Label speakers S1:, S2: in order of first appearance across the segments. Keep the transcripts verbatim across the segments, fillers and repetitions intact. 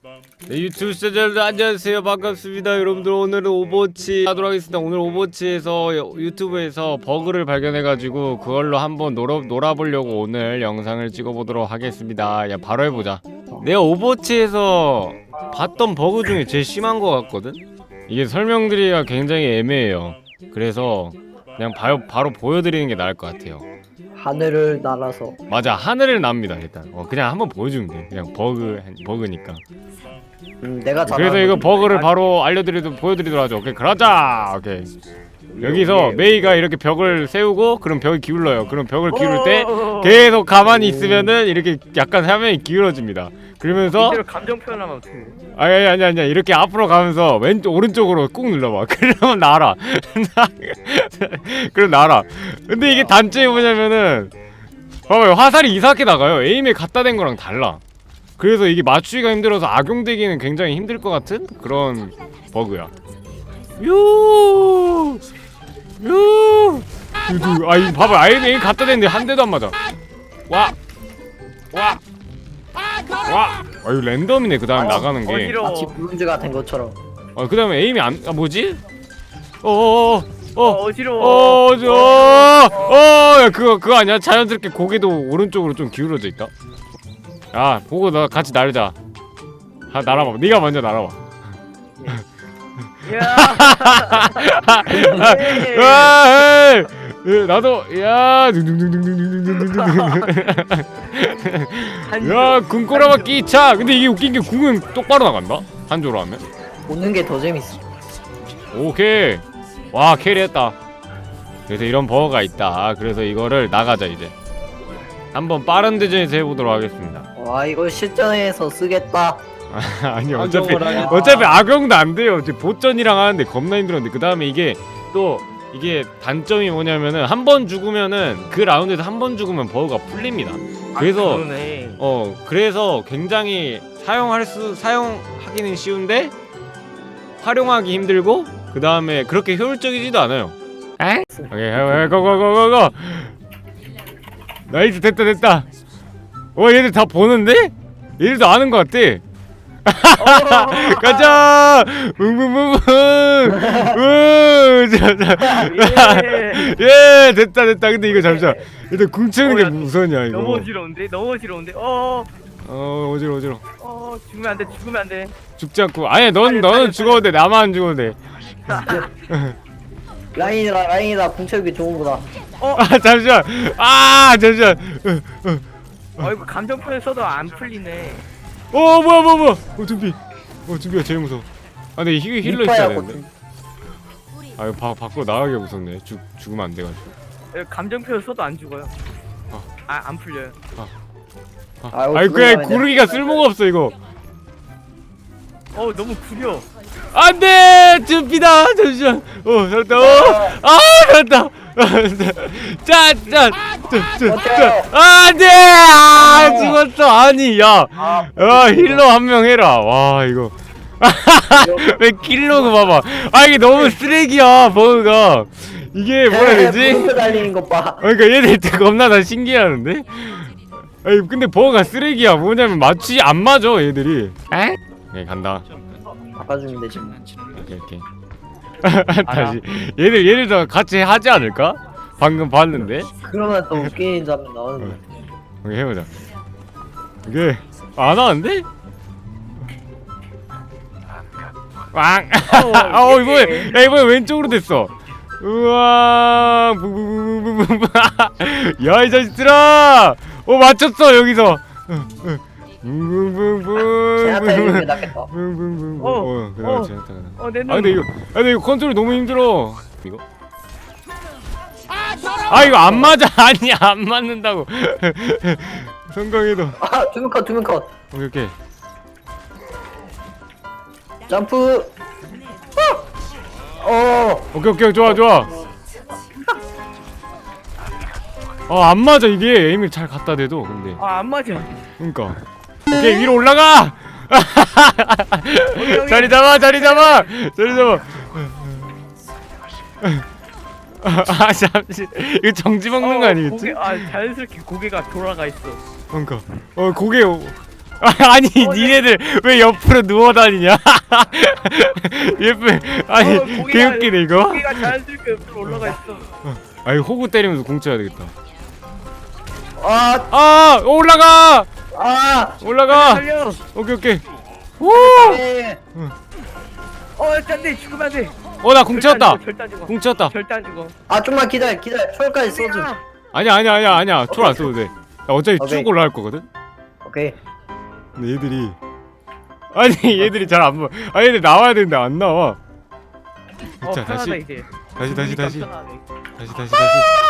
S1: 네, 유튜브 시청자들 안녕하세요, 반갑습니다. 여러분들 오늘은 오버워치 하도록 하겠습니다. 오늘 오버워치에서 유튜브에서 버그를 발견해가지고 그걸로 한번 놀아, 놀아보려고 오늘 영상을 찍어보도록 하겠습니다. 야, 바로 해보자. 내가 오버워치에서 봤던 버그 중에 제일 심한 것 같거든? 이게 설명드리기가 굉장히 애매해요. 그래서 그냥 바로, 바로 보여드리는 게 나을 것 같아요.
S2: 하늘을 날아서.
S1: 맞아, 하늘을 납니다. 일단 어, 그냥 한번 보여주면 돼. 그냥 버그 버그니까.
S2: 음, 내가 잘
S1: 그래서 이거 버그를 바로 알려드리도 보여드리도록 하죠. 오케이, 그러자. 오케이. 여기서 메이가 이렇게 벽을 세우고 그럼 벽이 기울어요. 그럼 벽을 기울일 때 계속 가만히 있으면은 이렇게 약간 화면이 기울어집니다. 그러면서
S3: 이대로 감정 표현하면 어떡해.
S1: 아니 아니 아니 아니 이렇게 앞으로 가면서 왼쪽 오른쪽으로 꾹 눌러봐. 그러면 날아. 그럼 날아. 근데 이게 단점이 뭐냐면은 봐봐요, 화살이 이상하게 나가요. 에임에 갖다 댄 거랑 달라. 그래서 이게 맞추기가 힘들어서 악용되기는 굉장히 힘들 것 같은 그런 버그야. 유. 유. 아 이거 봐봐, 아예 에임 갖다 댔는데 한 대도 안 맞아. 와. 와. 와. 아 이거 랜덤이네. 그 다음에 나가는 게.
S3: 어지러워.
S2: 마치 브론즈가 된 것처럼.
S1: 어, 그 다음에 에임이 안, 아, 뭐지? 어어어, 어,
S3: 어,
S1: 어,
S3: 어지러워.
S1: 어, 어, 어, 어, 야, 그거, 그거 아니야? 자연스럽게 고개도 오른쪽으로 좀 기울어져 있다? 야, 보고 나 같이 날자. 아, 날아봐. 네가 먼저 날아봐.
S3: 야.
S1: 아, 에이, 에이, 나도, 야, 둥둥둥둥둥둥둥둥둥. 야, 궁꼬라마 끼차. 근데 이게 웃긴 게 궁은 똑바로 나간다? 한조로 하면?
S2: 보는 게 더 재밌어.
S1: 오케이. 와, 캐리했다. 그래서 이런 버거가 있다. 그래서 이거를 나가자 이제. 한번 빠른 대전에서 해보도록 하겠습니다.
S2: 와, 이거 실전에서 쓰겠다.
S1: 아니 어차피
S2: 악용을 하냐.
S1: 어차피 악용도 안 돼요. 이제 보전이랑 하는데 겁나 힘들었는데 그 다음에 이게 또 이게 단점이 뭐냐면은 한 번 죽으면은 그 라운드에서 한 번 죽으면 버거가 풀립니다. 그래서
S3: 아, 그러네.
S1: 어 그래서 굉장히 사용할 수 사용하기는 쉬운데 활용하기 힘들고 그 다음에 그렇게 효율적이지도 않아요. 에? 오케이, 고고고고고. 나이스, 됐다 됐다. 어, 얘들 다 보는데? 얘들도 아는 것 같아. 가자. 뭉뭉뭉뭉. 우. 예, 됐다 됐다. 근데 이거 잠시만. 일단 궁 채우는
S3: 어,
S1: 게
S3: 야,
S1: 우선이야 이거.
S3: 너무 어지러운데? 너무 어지러운데? 어.
S1: 어, 어지러 어지러.
S3: 어, 죽으면 안 돼. 죽으면 안 돼.
S1: 죽지 않고. 아니, 넌
S3: 빨리,
S1: 너는
S3: 빨리,
S1: 죽어도 돼. 나만 안 죽어도 돼.
S2: 라인이다, 라인이다. 궁채우기 좋은 거다.
S1: 아, 잠시만. 아, 잠시만.
S3: 어, 이거 감정 표현 써도 안 풀리네.
S1: 어, 뭐야 뭐야 뭐야. 어, 준비. 어, 준비가 제일 무서워. 아, 근데 힐 힐러 있어야
S2: 이빠야,
S1: 되는데. 아, 이거 바, 밖으로 나가게 무섭네. 죽 죽으면 안 돼가지고.
S3: 이거 감정 표현 써도 안 죽어요.
S1: 어.
S3: 아, 안 풀려요.
S1: 아,
S2: 아이고,
S1: 아니 그냥
S2: 죽으면
S1: 구르기가 쓸모가 없어 이거.
S3: 어, 너무 구려.
S1: 안돼, 준비다. 잠시만. 어, 잘했다. 어, 아, 잘했다. 짠짠. 안돼. 아, 죽었어. 아니, 야, 야, 힐러 한 명 해라. 와, 이거. 왜 킬러고 봐봐. 아, 이게 너무 쓰레기야 버그가. 이게 뭐라 해야 되지?
S2: 물음표 달리는 것 봐.
S1: 그러니까 얘들 겁나 다 신기해하는데. 아니 근데 버거가 쓰레기야. 뭐냐면 맞추지 안 맞아 얘들이. 에? 네, 간다.
S2: 바꿔주면 되지.
S1: 오케이 오케이. 다시 얘들 얘들도 같이 하지 않을까? 방금 봤는데.
S2: 그러면 또 웃기는 장면 나오는데.
S1: 오케이, 해보자. 이게 안 하는데? 왕. 어 이번에 야 이번에 왼쪽으로 됐어. 우와. 부부부부부부. 야 이 자식들아. 어 맞췄어 여기서. 붕붕붕붕.
S2: 제나타 이름이 낫겠다.
S1: 붕붕붕붕.
S3: 어,
S1: 어, 그래,
S3: 어.
S1: 제나타.
S3: 어, 내 눈.
S1: 아 근데 이거, 아 근데 이거 컨트롤 너무 힘들어. 이거. 아 이거 안 맞아. 아니 안 맞는다고. 성공해도.
S2: 아, 두명 컷, 두명 컷.
S1: 오케이 오케이.
S2: 점프. 어.
S1: 오케이 오케이 좋아 좋아. 어 안 맞아 이게 에임을 잘 갖다 대도 근데.
S3: 아, 안 맞아.
S1: 그러니까. 오케이 위로 올라가.
S3: 여기.
S1: 자리 잡아 자리 잡아 자리 잡아. 아 잠시 이거 정지 먹는 거 아니겠지?
S3: 고개, 아, 자연스럽게 고개가 돌아가 있어.
S1: 그러니까 어 고개 오- 아니 니네들 왜 옆으로 누워 다니냐? 예쁜 아니
S3: 어, 고기가-
S1: 개웃기네 이거.
S3: 고기가 자연스럽게 옆으로 올라가 있어.
S1: 아니 호구 때리면서 공 쳐야 되겠다.
S2: 아,
S1: 아 올라가
S2: 아,
S1: 올라가.
S3: 살려.
S1: 오케이 오케이. 오.
S2: 네.
S3: 어, 안돼 죽으면 안돼.
S1: 어나 공 쳤다.
S3: 절대 안 죽어.
S1: 공 쳤다.
S3: 절대 안 죽어.
S2: 아, 좀만 기다려, 기다려. 초월까지 써줘.
S1: 아니야 아니야 아니야 아니야. 초를 안 써도 돼. 나 어차피
S2: 오케이.
S1: 쭉 올라갈 거거든.
S2: 오케이.
S1: 근데 얘들이 아니 얘들이 잘 안 봐. 아 얘들 나와야 되는데 안 나와.
S3: 어,
S1: 자
S3: 편하다
S1: 다시
S3: 이제.
S1: 다시 다시 다시
S3: 편하네.
S1: 다시 다시 다시.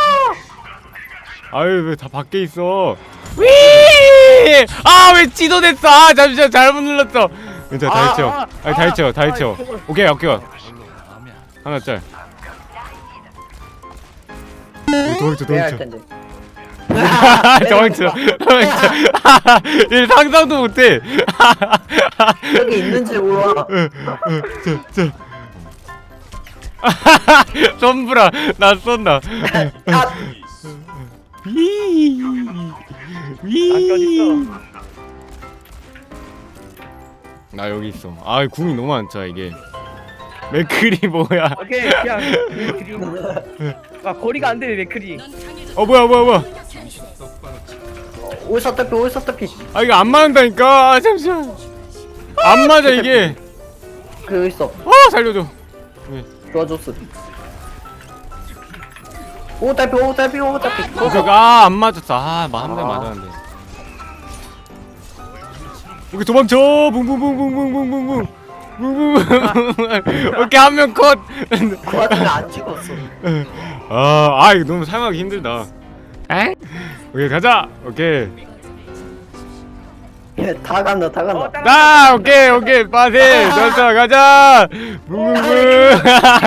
S1: 아유 왜 다 밖에 있어? 위! 아왜 지도됐어? 아 잠시만 잘못 눌렀어. 괜찮아 다
S3: 아,
S1: 해쳐.
S3: 아,
S1: 아니 다
S3: 아,
S1: 해쳐 다
S3: 아,
S1: 해쳐.
S3: 저거.
S1: 오케이 오케이. 하나 짤. 도망쳐
S2: 해야 할
S1: 도망쳐.
S2: 텐데.
S1: 도망쳐 도망쳐. 얘 상상도 못해.
S2: 여기 있는지 몰라.
S1: 저저 솜브라 나 쏜다.
S2: 아,
S1: 위. 위.
S3: 안겨 있어.
S1: 나 여기 있어. 아 궁이 너무 많다 이게. 맥클이 뭐야?
S3: 오케이 그냥 드림. 아 거리가 안 되네 맥크리.
S1: 어 뭐야 뭐야 뭐야?
S2: 오셨다피, 오셨다피.
S1: 아 이거 안 맞는다니까. 아, 잠시만. 안 맞아 이게.
S2: 그 있어.
S1: 어 살려줘.
S2: 도와줬어. 오타피, 오타피, 오타피.
S1: 아안 맞았어. 아한 대 맞았는데. 여기 도망쳐. 붕붕붕붕붕붕붕붕. 붕붕붕. 오케이 한 명 컷.
S2: 그 와중에 안 죽었어.
S1: 아, 아 이거 너무 사용하기 힘들다. 에? 오케이 가자. 오케이.
S2: 예, 다 간다, 다
S3: 어,
S2: 간다.
S3: 따라-
S1: 나 오케이 오케이 빠세. 됐어 가자. 붕붕붕.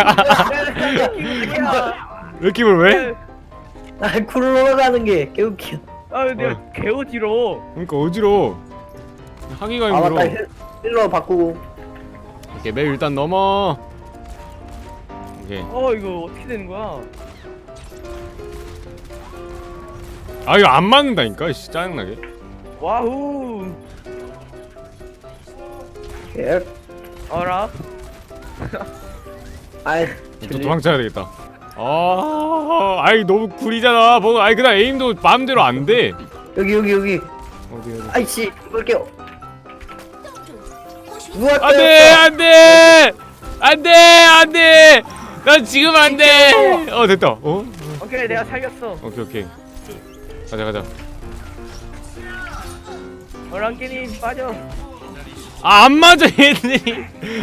S1: 느낌을 왜?
S2: 아, 굴러 가는 게 개웃겨.
S3: 아 근데
S1: 어.
S3: 개어지러워.
S1: 그러니까 어지러워. 하기가
S2: 아,
S1: 힘들어.
S2: 맞다. 힐- 힐러 바꾸고.
S1: 오케이 맵 일단 넘어. 오케이.
S3: 어 이거 어떻게 되는 거야?
S1: 아 이거 안 맞는다니까. 씨 짜증나게.
S3: 와우.
S2: 예.
S3: 어라.
S2: 아이,
S1: 또 도망쳐야 되겠다. 아, 아이 너무 구리잖아. 뭐, 아이 그냥 에임도 마음대로 안 돼.
S2: 여기, 여기, 여기.
S1: 어디 어디.
S2: 아이씨, 이볼게요. 누가
S1: 안돼, 안돼, 안돼, 안돼. 난 지금 안 돼. 어 됐다. 어?
S3: 오케이 내가 살렸어.
S1: 오케이 오케이. 가자 가자.
S3: 어랑깨님 빠져.
S1: 아 안 맞아 얘들이.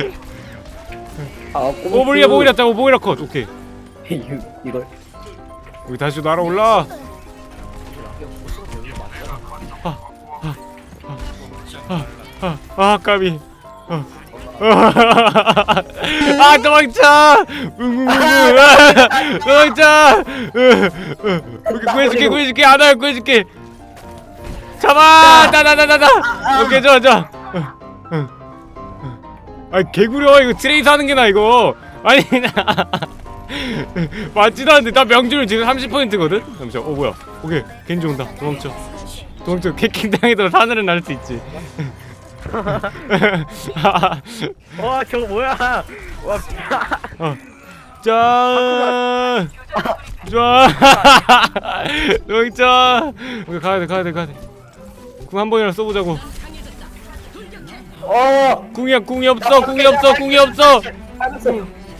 S2: 아,
S1: 오보리야 보이라 짜 오보리라 컷. 오케이.
S2: 이걸.
S1: 우리 다시 날아올라. 아, 아, 까비. 아, 아 도망쳐. 웅웅웅. 도망쳐. 오케이 구해줄게 구해줄게 하나 구해줄게. 잡아. 나나나나나. 오케이 좋아 좋아. 아 개구려 이거 트레이스 하는 게 나 이거. 아니 나. 맞지도 않는데 나 명중률 지금 삼십 퍼센트거든? 잠시만 어 뭐야 오케이 겐지 온다 도망쳐 도망쳐 캐킹 당해도 하늘은 날 수 있지.
S3: 와 저거 뭐야? 와.
S1: 어. 짠 좋아. 도망쳐. 오케이 가야돼 가야돼 가야돼. 궁 한 번이라 써보자고.
S2: 어,
S1: 궁이야 궁이 없어 궁이 없어 궁이 없어.
S2: 알았어.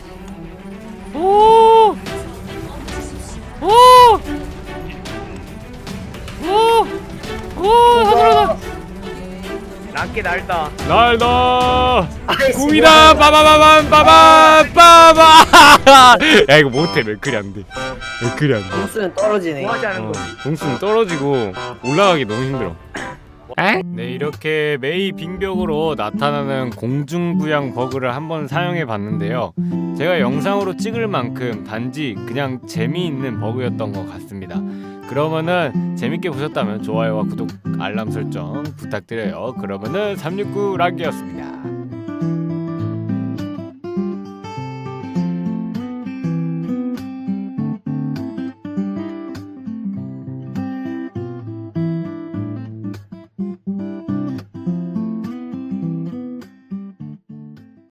S1: 오! 오! 오! 오! 하늘하다.
S3: 랑깨 날다.
S1: 날다.
S2: 아이씨,
S1: 궁이다.
S2: 뭐야.
S1: 빠바바밤 빠바 빠바. 야 이거 못해. 맥클이 안 돼. 맥클이 안 돼.
S2: 공수는 떨어지네.
S3: 뭐 하자는
S1: 어,
S3: 거지?
S1: 공수는 떨어지고 올라가기 너무 힘들어. 네 이렇게 메이 빙벽으로 나타나는 공중부양 버그를 한번 사용해 봤는데요. 제가 영상으로 찍을 만큼 단지 그냥 재미있는 버그였던 것 같습니다. 그러면은 재밌게 보셨다면 좋아요와 구독 알람 설정 부탁드려요. 그러면은 삼육구 락이었습니다.